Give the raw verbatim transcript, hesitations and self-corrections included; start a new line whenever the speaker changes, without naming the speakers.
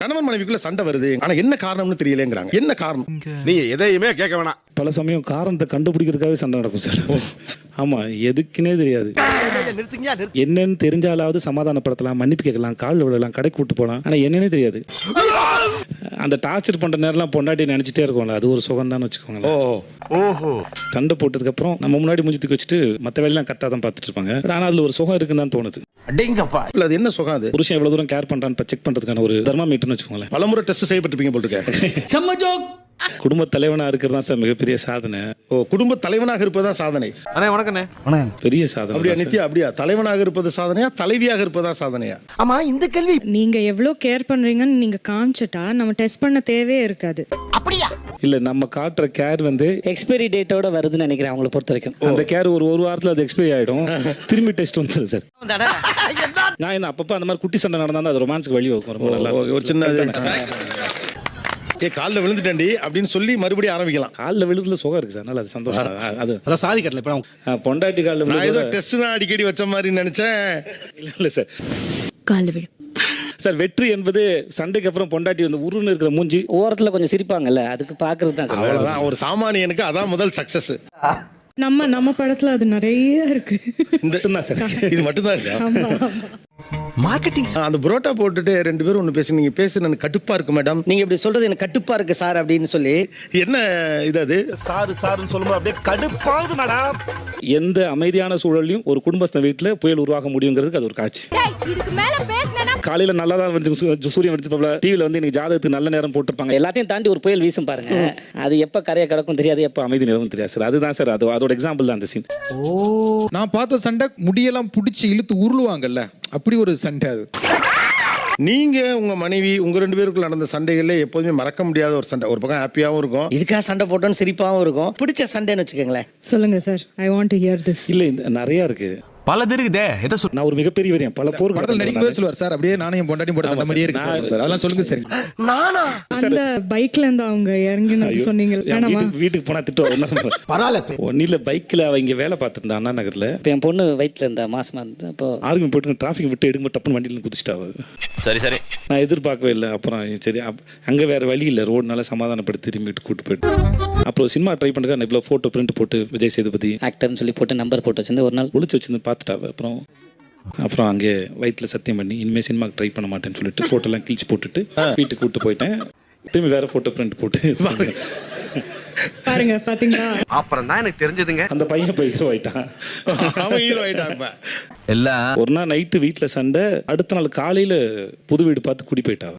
கணவன் மனைவிக்குள்ள சண்டை வருது, ஆனா என்ன காரணம்னு தெரியலங்கிறாங்க. என்ன காரணம்?
நீங்க எதையுமே கேட்க வேணாம்.
பல சமயம் காரணத்தை கண்டுபிடிக்கிறதுக்காகவே சண்டை நடக்கும் சார். ஆமா, எதுக்குன்னே தெரியாது. என்னன்னு தெரிஞ்சாலாவது சமாதானப்படுத்தலாம், மன்னிப்பு கேட்கலாம், காலில் விழலாம், கடைக்கு கூட்டு போகலாம். ஆனா என்னன்னே தெரியாது. அந்த டார்ச்சர் பண்ற நேரம்லாம் பொண்டாட்டி நினைச்சிட்டே இருக்கும்ல, அது ஒரு சுகம் தான் வச்சுக்கோங்களேன்.
ஓஹோ,
சண்டை போட்டதுக்கு அப்புறம் நம்ம முன்னாடி முடிஞ்சுட்டு வச்சுட்டு மற்ற வேலையெல்லாம் கரெக்டாக தான் பார்த்துட்டு இருப்பாங்க. ஆனா அதுல ஒரு சுகம் இருக்குன்னு தான் தோணுது.
இல்ல, அது என்ன சுகம்? அது
புருஷன் எவ்வளவு தூரம் கேர் பண்றான்னு செக் பண்றதுக்கான ஒரு தர்மாமீட்டர்னு வச்சுக்கோங்களேன்.
பலமுறை டெஸ்ட் செய்யப்பட்டிருப்பீங்க போட்டுருக்க.
குடும்ப தலைவனா இருக்கிறது தான் சார் மிகப்பெரிய சாதனை.
ஓ, குடும்ப தலைவனாக இருப்பதுதான் சாதனை.
அண்ணே வணக்கண்ணே.
பெரிய சாதனை.
அப்படியா நித்யா? அப்படியா தலைவனாக இருப்பது சாதனையா, தலைவியாக இருப்பதா சாதனையா?
ஆமா, இந்த கேள்வி
நீங்க எவ்வளவு கேர் பண்றீங்கன்னு நீங்க காமிச்சிட்டா நம்ம டெஸ்ட் பண்ண தேவையே இருக்காது.
அப்படியா?
இல்ல, நம்ம காட்டுற கேர் வந்து
எக்ஸ்பைரி டேட்டோட வருதுன்னு நினைக்கிறேன் அவங்கள பொறுத்த வரைக்கும்.
அந்த கேர் ஒரு ஒரு வாரத்துல அது எக்ஸ்பைரி ஆயிடும், திரும்பி டெஸ்ட் வந்துடும் சார். நான் என்ன அப்பப்போ அந்த மாதிரி குட்டி சண்டை நடந்தா அது ரொமான்ஸ்க்கு வழி வைக்கும். ரொம்ப நல்லா
ஒரு சின்ன ஏ காலில் விழுந்துட்டேன்டி அப்படின்னு சொல்லி மறுபடியும் ஆரம்பிக்கலாம்.
காலில் விழுதுல சுகம் இருக்கு சார், அதனால அது சந்தோஷம். அது
அதான் சாதி கட்டல. இப்போ
பொண்டாட்டி காலில்
நான் ஏதோ
விழுது
டெஸ்ட் தான் அடிக்கடி வச்ச மாதிரி நினைச்சேன்.
இல்ல இல்ல சார்.
கால்ல விழு
சார், வெற்றி என்பது சண்டைக்கு அப்புறம் பொண்டாட்டி வந்து உருன்னு இருக்கிற மூஞ்சி
ஓரத்துல கொஞ்சம் சிரிப்பாங்கல்ல, அதுக்கு பாக்குறது தான் சார்.
அவ்வளவுதான், ஒரு சாமானியனுக்கு அதான் முதல் சக்சஸ்.
நம்ம நம்ம படத்துல அது நிறைய இருக்கு.
இந்த
சார்,
இது மட்டும்தான் இருக்கா?
ஆமா, ஆமா.
மார்க்கெட்டிங்.
அந்த புரோட்டா போட்டுட்டு ரெண்டு பேரும் ஒன்று பேசி, நீங்க பேசு எனக்கு கட்டுப்பா இருக்கு மேடம்.
நீங்க இப்படி சொல்றது எனக்கு கட்டுப்பா இருக்கு சார் அப்படின்னு சொல்லி
என்ன இது? அது
சாரு சாருன்னு சொல்லும்போது அப்படியே கடுப்பாகுது மேடம்.
எந்த அமைதியான சூழலையும் ஒரு குடும்பஸ்த வீட்டுல புயல் உருவாக முடியுங்கிறதுக்கு அது ஒரு காட்சி. காலையில நல்லா தான் வந்து சூரியன் வெடிச்சு டிவில வந்து இன்னைக்கு ஜாதகத்துக்கு நல்ல நேரம் போட்டுருப்பாங்க.
எல்லாத்தையும் தாண்டி ஒரு புயல் வீசும் பாருங்க, அது எப்ப கரையை கிடக்கும் தெரியாது, எப்ப
எப்ப அமைதி நிலவும் தெரியாது சார். அதுதான் சார், அது அதோட எக்ஸாம்பிள் தான் அந்த சீன்.
நான் பார்த்த சண்டை முடியெல்லாம் பிடிச்சி இழுத்து உருளுவாங்கல்ல, அப்படி ஒரு சண்டை அது.
நீங்க உங்க மனைவி உங்க ரெண்டு பேருக்குள்ள நடந்த சண்டைகள்ல எப்போதுமே மறக்க முடியாத ஒரு சண்டை. ஒரு பக்கம் ஹாப்பியாவும் இருக்கும்,
இதுக்காக சண்டை போட்டோன்னு சிரிப்பாவும் இருக்கும். பிடிச்ச சண்டைன்னு வச்சுக்கோங்களேன்.
சொல்லுங்க sir, I want to hear this.
இல்ல, இந்த நிறைய இருக்கு.
பல இருக்குதே. எதை சொல்
நான் ஒரு மிகப்பெரிய வரையன் பல போர்
படத்தில் நடிக்கும்போது சொல்லுவார் சார், அப்படியே நானும் என் பொண்டாட்டி போட சண்டை மாதிரியே இருக்கு சார். அதெல்லாம் சொல்லுங்க சார்.
நானா
அந்த பைக்ல இருந்து அவங்க இறங்கினது சொன்னீங்க. வேணாமா?
வீட்டுக்கு போனா திட்டுவாங்க.
பரவாயில்ல சார்.
ஒன்னில பைக்ல அவங்க வேலை பார்த்துருந்தா அண்ணா நகர்ல.
இப்போ என் பொண்ணு வயிற்றுல இருந்தா மாசமா இருந்தா, அப்போ
ஆர்குமெண்ட் போட்டு டிராஃபிக் விட்டு எடுக்கும் டப்புன்னு வண்டியில குதிச்சிட்டா.
சரி சரி,
நான் எதிர்பார்க்கவே இல்லை. அப்புறம் சரி, அங்கே வேற வழி இல்லை, ரோடுனால சமாதானப்படுத்தி திரும்பிட்டு கூட்டு போயிட்டு அப்புறம் சினிமா ட்ரை பண்ணுறேன். இவ்வளோ ஃபோட்டோ பிரிண்ட் போட்டு விஜய் சேதுபதி
ஆக்டர்னு சொல்லி போட்டு நம்பர் போட்டு வச்சிருந்து ஒரு நாள்
ஒளிச்சு வச்சிருந்து பார்த்துட்டா. அப்புறம் அப்புறம் அங்கே வயிற்றுல சத்தியம் பண்ணி இனிமேல் சினிமாக்கு ட்ரை பண்ண மாட்டேன்னு சொல்லிட்டு ஃபோட்டோலாம் கிழிச்சு போட்டுட்டு வீட்டுக்கு கூட்டு போயிட்டேன். திரும்பி வேற ஃபோட்டோ பிரிண்ட் போட்டு
பாருங்க, பாத்தீங்களா?
அப்புறம் தான் எனக்கு தெரிஞ்சதுங்க,
அந்த பையன் போய் ஹீரோ ஆயிட்டான்.
அவன் ஹீரோ ஆயிட்டான்.
ஒரு நாள் நைட்டு வீட்டில் சண்டை, அடுத்த நாள் காலையில் புது வீடு பார்த்து குடி போயிட்டா.